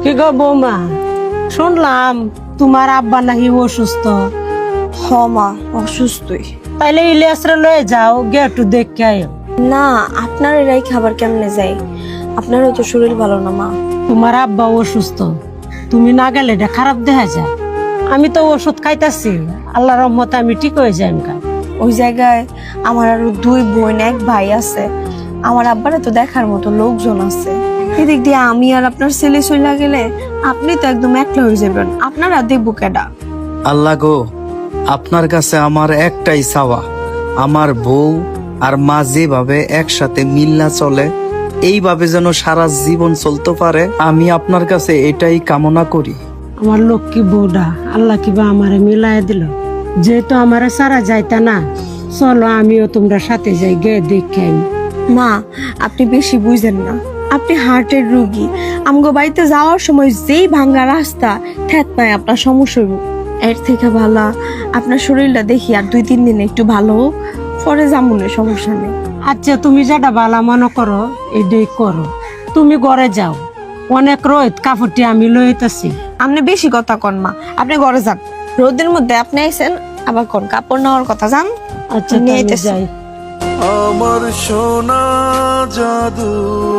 কি গো বৌমা, শুনলাম তোমার আব্বা নাকি অসুস্থ। হ মা, অসুস্থই। তাইলে ইলিয়াসরে লয়ে যাও, গিয়ে একটু দেখে আয়। না, আপনার এরাই খাবার কেমনে যায়? আপনারও তো শরীর ভালো না মা। তোমার আব্বা অসুস্থ, তুমি না গেলে এটা খারাপ দেখা যায়। আমি তো ওষুধ খাইতাছি, আল্লাহ রহমতে আমি ঠিক হয়ে যাই। ওই জায়গায় আমার আরো 2 বোন 1 ভাই আছে। আমার আব্বারে তো দেখার মতো লোকজন আছে। এদিক দিয়ে আমি আর আপনার ছেলে চলে গেলে আপনি তো একদম একলা হয়ে যাবেন। আপনারা দেখবো কেডা? আল্লাহ গো, আপনার কাছে আমার একটাই চাওয়া, আমার বউ আর মা যেভাবে একসাথে মিল্লা চলে এইভাবে যেন সারা জীবন চলতে পারে, আমি আপনার কাছে এটাই কামনা করি। আমার লক্ষ্মী বউডা আল্লাহ কিবা আমারে মিলাই দিল। যেহেতু আমারে সারা যাইতা না, চলো আমিও তোমরা সাথে যাই, গে দেখে আমি। মা, আপনি বেশি বুঝেন না। আপনি হার্টের রোগী। আমগো বাড়িতে যাওয়ার সময় যেই ভাঙ্গা রাস্তা, ঠেত পায় আপনার সমস্যা হইব। এর থেকে ভালো আপনার শরীরটা দেখি আর 2-3 দিন একটু ভালো হোক, পরে যামুনে, সমস্যা নেই। আচ্ছা, তুমি যেটা ভালো মনে করো এটাই করো। তুমি ঘরে যাও, অনেক রোদ, কাপড়টি আমি লইতেছি। আপনি বেশি কথা কন মা, আপনি ঘরে যান। রোদের মধ্যে আপনি আইছেন, আবার কোন কাপড় নেওয়ার কথা যান। আচ্ছা, নিয়ে তাহলে আইতেছি। যাই। আমার সোনা জাদু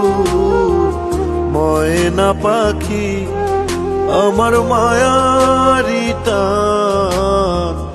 ময়না পাখি, আমার মায়ারি টান